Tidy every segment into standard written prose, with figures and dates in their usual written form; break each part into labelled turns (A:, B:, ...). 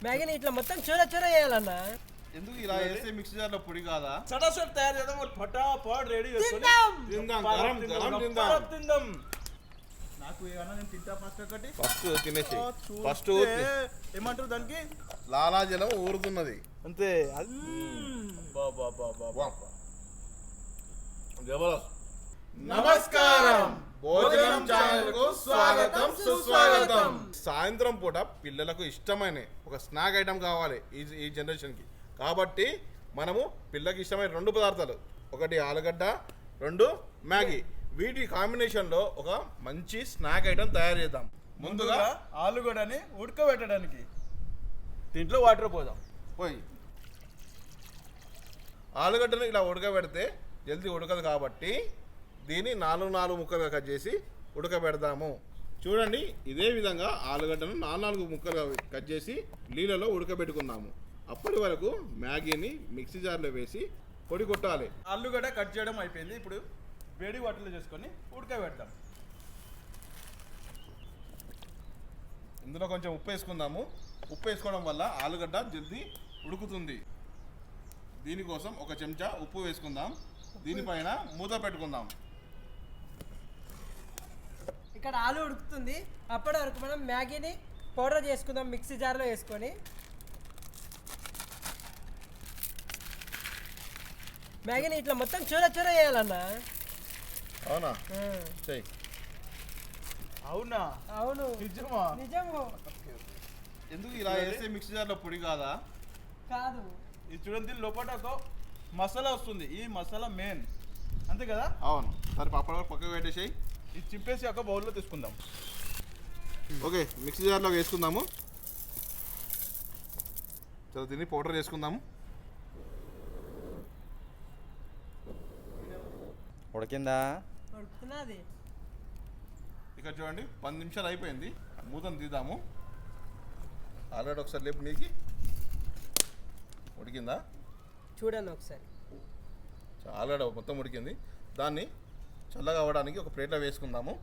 A: మ్యాగీని ఇట్లా మొత్తం చూర చూర చేయాలన్నా.
B: ఎందుకు ఇలా వేస్తే మిక్సీ జార్లో పొడి కాదా?
C: సటాసట్ తయారు చేద్దాం. ఫటాఫట్ రెడీ చేసుకొని
B: తిందాం, గరం గరం తిందాం.
C: తిందాం. నాకు ఏమన్నా నేను తింటా ఫస్ట్ ఒకటి.
B: ఫస్ట్ తినేసి ఫస్ట్
C: ఏమంటారు దానికి?
B: లాలాజలం ఊరుతున్నది
C: అంతే.
B: నమస్కారం, భోజనం ఛానల్ కు స్వాగతం సుస్వాగతం. సాయంత్రం పూట పిల్లలకు ఇష్టమైన ఒక స్నాక్ ఐటమ్ కావాలి ఈ జనరేషన్ కి. కాబట్టి మనము పిల్లకి ఇష్టమైన రెండు పదార్థాలు, ఒకటి ఆలుగడ్డ, రెండు మ్యాగీ, వీటి కాంబినేషన్ లో ఒక మంచి స్నాక్ ఐటమ్ తయారు చేద్దాం.
C: ముందుగా ఆలుగడ్డని ఉడకబెట్టడానికి దీంట్లో వాటర్ పోదాం.
B: పోయి ఆలుగడ్డను ఇలా ఉడకబెడితే జల్దీ ఉడకదు కాబట్టి దీన్ని 4 ముక్కలుగా కట్ చేసి ఉడకబెడదాము. చూడండి, ఇదే విధంగా ఆలుగడ్డను 4 ముక్కలుగా కట్ చేసి నీళ్ళలో ఉడకబెట్టుకుందాము. అప్పటి వరకు మ్యాగీని మిక్సీ జార్లో వేసి పొడి కొట్టాలి.
C: ఆలుగడ్డ కట్ చేయడం అయిపోయింది. ఇప్పుడు వేడి వాటర్లో చేసుకొని ఉడకబెడతాం.
B: ఇందులో కొంచెం ఉప్పు వేసుకుందాము. ఉప్పు వేసుకోవడం వల్ల ఆలుగడ్డ జల్దీ ఉడుకుతుంది. దీనికోసం ఒక చెంచా ఉప్పు వేసుకుందాం. దీనిపైన మూత పెట్టుకుందాం.
A: ఇక్కడ ఆలు ఉడుకుతుంది. అప్పటి వరకు మనం మ్యాగీని పౌడర్ చేసుకుందాం మిక్సీ జార్లో వేసుకొని. మ్యాగీని ఇట్లా మొత్తం చూర చూర చేయాలన్నా.
B: అవునా? చెయ్యి.
C: అవునా?
A: అవును,
C: నిజమా?
A: నిజము.
B: ఎందుకు ఇలా వేస్తే మిక్సీ జార్లో పొడి కాదా?
A: కాదు,
C: ఇది చూడండి, లోపల ఒక మసాలా వస్తుంది. ఈ మసాలా మెయిన్, అంతే కదా?
B: అవును. సరే, అప్పటి వరకు పక్కకు పెట్టేసేయి.
C: ఇది చింపేసి ఒక బౌల్లో తీసుకుందాం.
B: ఓకే, మిక్సీ జార్లో వేసుకుందాము. చలో, దీన్ని పౌడర్ చేసుకుందాము.
D: ఉడికిందా?
A: ఉడుకుతున్నది.
B: ఇక్కడ చూడండి, 10 నిమిషాలు అయిపోయింది. మూతను తీద్దాము. ఆల్రెడీ ఒకసారి లేపు నీకి ఉడికిందా
A: చూడండి ఒకసారి.
B: ఆల్రెడీ మొత్తం ఉడికింది. దాన్ని చల్లగా అవ్వడానికి ఒక ప్లేట్లో వేసుకుందాము.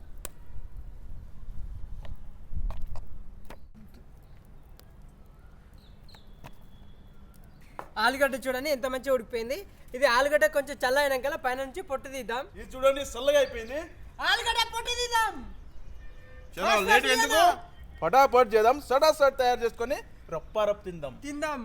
A: ఆలుగడ్డ చూడండి ఎంత మంచిగా ఉడికిపోయింది. ఇది ఆలుగడ్డ కొంచెం చల్ల అయినాక పైన నుంచి పొట్టు తీద్దాం.
C: ఇది చూడండి, చల్లగా అయిపోయింది.
A: ఆలుగడ్డ పొట్టు తీద్దాం.
B: చలో, లేట్ ఎందుకు?
C: ఫటాఫట్ చేద్దాం. సటాసట్ తయారు చేసుకొని రప్పారప్ తిందాం.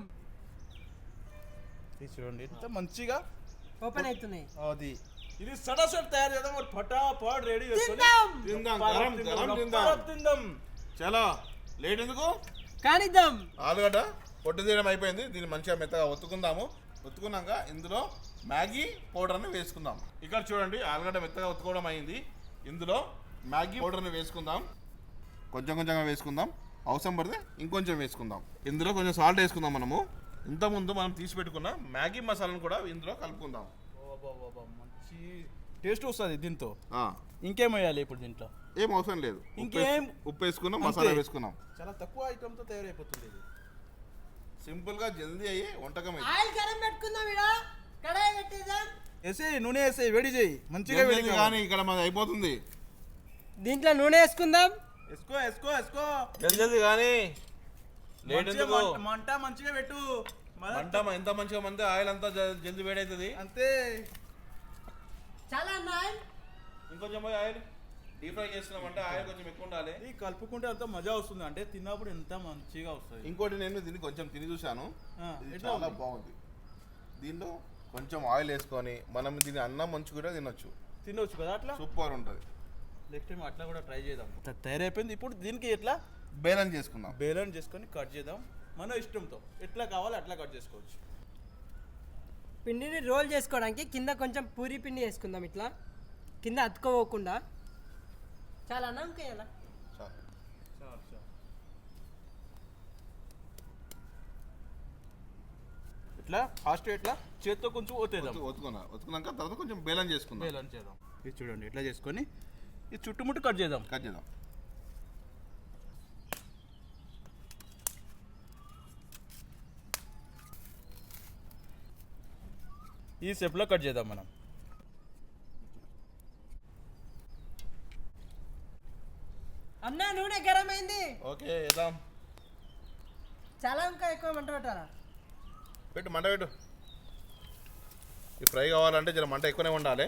C: ఇది చూడండి ఎంత మంచిగా
A: ఓపెన్ అవుతున్నాయి.
C: అది ఇది సటాసట్ తయారు చేద్దాం. ఫటాఫట్ రెడీ చేసుకొని
B: తిందాం, గరం గరం తిందాం. చలో, లేట్ ఎందుకు?
A: కానిద్దాం.
B: ఆలుగడ్డ పొట్టు తీయడం అయిపోయింది. దీన్ని మంచిగా మెత్తగా ఒత్తుకుందాము. ఒత్తుకున్నాక ఇందులో మ్యాగీ పౌడర్ని వేసుకుందాం. ఇక్కడ చూడండి, ఆలుగడ్డ మెత్తగా ఒత్తుకోవడం అయింది. ఇందులో మ్యాగీ పౌడర్ని వేసుకుందాం. కొంచెంగా వేసుకుందాం. అవసరం పడితే ఇంకొంచెం వేసుకుందాం. ఇందులో కొంచెం సాల్ట్ వేసుకుందాం. మనము ఇంతకుముందు మనం తీసి పెట్టుకున్న మ్యాగీ మసాలాను కూడా ఇందులో కలుపుకుందాం.
C: మంచి టేస్ట్ వస్తుంది దీంతో.
B: ఆ,
C: ఇంకేం వేయాలి ఇప్పుడు దీంట్లో?
B: ఏం అవసరం లేదు.
C: ఇంకేం?
B: ఉప్పు వేసుకున్నాం, మసాలా వేసుకున్నాం.
C: చాలా తక్కువ ఐటమ్తో తయారైపోతుంది ఇది.
B: సింపుల్గా జల్దీ అయ్యి వంటకం.
A: ఆయిల్ గరం పెట్టుకుందాం. ఇక్కడ కడాయి పెట్టేద్దాం.
C: వేసేయి, నూనె వేసేయి, వేడి చేయి. మంచిగా వేడి
B: కానీ ఇక్కడ మనది అయిపోతుంది.
A: దీంట్లో నూనె వేసుకుందాం.
C: వేసుకో.
B: జల్దీ కానీ లేట్ ఎందుకు?
C: మంట మంచిగా పెట్టు.
B: మంట ఎంత మంచిగా మంది ఆయిల్ అంతా జల్దీ వేడవుతుంది.
C: అంతే.
A: చాలా ఆయిల్.
B: ఇంకొంచెం పోయి ఆయిల్ డీప్ ఫ్రై చేస్తున్నామంటే ఆయిల్ కొంచెం ఎక్కువ ఉండాలి.
C: ఇది కలుపుకుంటే అంత మజా వస్తుంది. అంటే తిన్నప్పుడు ఎంత మంచిగా వస్తుంది.
B: ఇంకోటి, నేను దీన్ని కొంచెం తిని చూశాను. ఇది
C: ఎట్లా
B: చాలా
C: ఉంది?
B: బాగుంది. దీంట్లో కొంచెం ఆయిల్ వేసుకొని మనం దీన్ని అన్నం మంచి కూడా తినొచ్చు.
C: తినవచ్చు కదా అట్లా.
B: సూపర్ ఉంటుంది.
C: నెక్స్ట్ టైం అట్లా కూడా ట్రై చేద్దాం. తయారైపోయింది. ఇప్పుడు దీనికి ఎట్లా
B: బేలన్ చేసుకుందాం.
C: బేలన్ చేసుకొని కట్ చేద్దాం. మన ఇష్టంతో ఎట్లా కావాలో అట్లా కట్ చేసుకోవచ్చు.
A: పిండిని రోల్ చేసుకోవడానికి కింద కొంచెం పూరి పిండి వేసుకుందాం. ఇట్లా కింద అతుక్కోకుండా. చాలా నమ్మకయ్యాలా.
C: ఇట్లా ఫాస్ట్ ఇట్లా చేత్తో కొంచెం
B: ఒత్తుకున్నాక తర్వాత కొంచెం బేలన్ చేసుకుందాం.
C: బేలన్ చేద్దాం. ఇది చూడండి ఇట్లా చేసుకొని ఇది చుట్టుముట్టు కట్ చేద్దాం. ఈ షేప్లో కట్ చేద్దాం మనం.
A: అన్నా నూనె గరం అయింది.
B: ఓకే, వేద్దాం.
A: చాలా ఇంకా ఎక్కువ మంట పెట్టాలా?
B: పెట్టు మంట పెట్టు. ఈ ఫ్రై కావాలంటే జర మంట ఎక్కువనే ఉండాలి.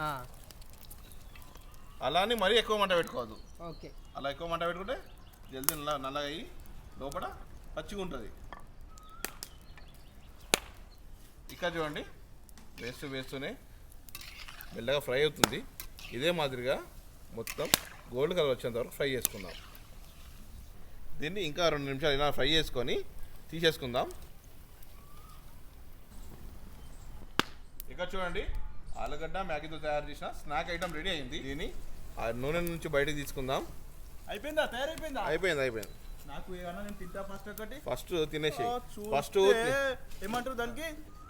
B: అలా అని మరీ ఎక్కువ మంట పెట్టుకోవద్దు.
A: ఓకే.
B: అలా ఎక్కువ మంట పెట్టుకుంటే జల్దీ నల్లగా అయ్యి లోపల పచ్చిగా ఉంటుంది. ఇక్కడ చూడండి వేస్తూనే మెల్లగా ఫ్రై అవుతుంది. ఇదే మాదిరిగా మొత్తం గోల్డ్ కలర్ వచ్చేంత వరకు ఫ్రై చేసుకుందాం. దీన్ని ఇంకా 2 నిమిషాలు ఇలా ఫ్రై చేసుకొని తీసేసుకుందాం. ఇక్కడ చూడండి ఆలుగడ్డ మ్యాగీతో తయారు చేసిన స్నాక్ ఐటమ్ రెడీ అయింది. దీన్ని ఆ నూనె నుంచి బయటకు తీసుకుందాం.
C: అయిపోయిందా? తయారైపోయిందా?
B: అయిపోయింది.
C: నాకు ఏమన్నా నేను తింటా ఫస్ట్ ఒకటి.
B: ఫస్ట్ తినేసి ఫస్ట్
C: ఏమంటారు దానికి?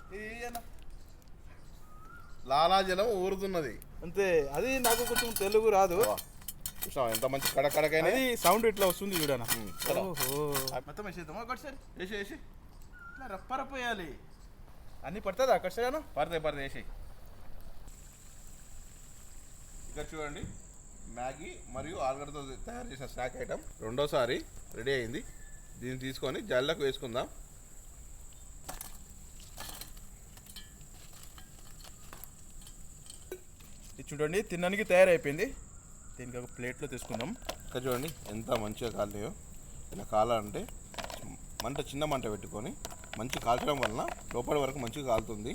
B: లాలాజలం ఊరుతున్నది
C: అంతే. అది నాకు కొంచెం తెలుగు రాదు.
B: చూసావా ఎంత మంచి కడకడకైనా
C: అది సౌండ్ ఇట్లా వస్తుంది చూడనా.
B: ఓహో
C: మొత్తం వేసేద్దామా ఒకటి సార్? వేసి ఇట్లా రప్ప వేయాలి. అన్నీ పడుతుందా అక్కడ సార్?
B: పడతాయి వేసి. ఇక్కడ చూడండి మ్యాగీ మరియు ఆలుగడ్డతో తయారు చేసిన స్నాక్ ఐటమ్ రెండోసారి రెడీ అయింది. దీన్ని తీసుకొని జల్లకు వేసుకుందాం.
C: ఇది చూడండి తినడానికి తయారైపోయింది. దీనికి ఒక ప్లేట్లో తీసుకుందాం.
B: ఇక్కడ చూడండి ఎంత మంచిగా కాలేయో. ఇలా కాలాలంటే మంట చిన్న మంట పెట్టుకొని మంచి కాల్చడం వలన లోపలి వరకు మంచిగా కాలుతుంది.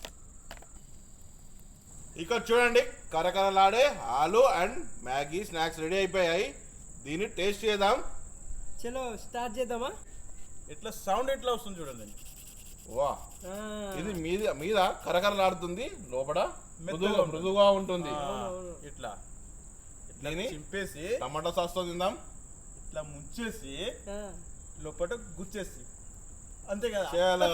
B: ఇక్కడ చూడండి కరకరలాడే ఆలు అండ్ మ్యాగీ స్నాక్స్ రెడీ అయిపోయాయి. దీన్ని టేస్ట్ చేద్దాం.
A: చలో స్టార్ట్ చేద్దామా?
C: ఇట్లా సౌండ్ ఎట్లా వస్తుంది చూడండి.
B: వా ఇది మీద కరకరలాడుతుంది, లోపల మృదుగా ఉంటుంది.
C: ఇట్లా
B: దీన్ని
C: చింపేసి
B: టమాటా సాస్తో తిందాం.
C: ఇట్లా ముంచేసి లోపల గుచ్చేసి అంతే కదా.
B: చాలా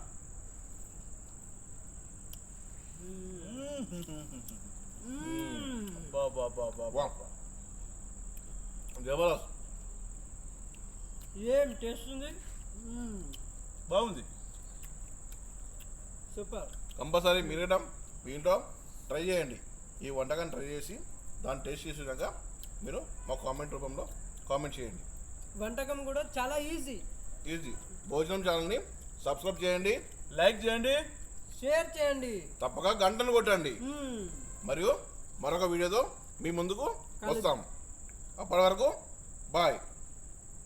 B: జబర్దస్త్.
A: ఏం టేస్ట్ ఉంది?
C: బాగుంది.
A: సూపర్.
B: కంపల్సరీ మీరు మీ ఇంట్లో ట్రై చేయండి. ఈ వంటకాన్ని ట్రై చేసి దాన్ని టేస్ట్ చేసినాక మీరు మా కామెంట్ రూపంలో కామెంట్ చేయండి.
A: వంటకం కూడా చాలా ఈజీ.
B: భోజనం ఛానల్ని సబ్స్క్రైబ్ చేయండి,
C: లైక్ చేయండి,
A: షేర్ చేయండి,
B: తప్పక గంటను కొట్టండి. మరియు మరొక వీడియోతో మీ ముందుకు వస్తాం. అప్పటి వరకు బాయ్.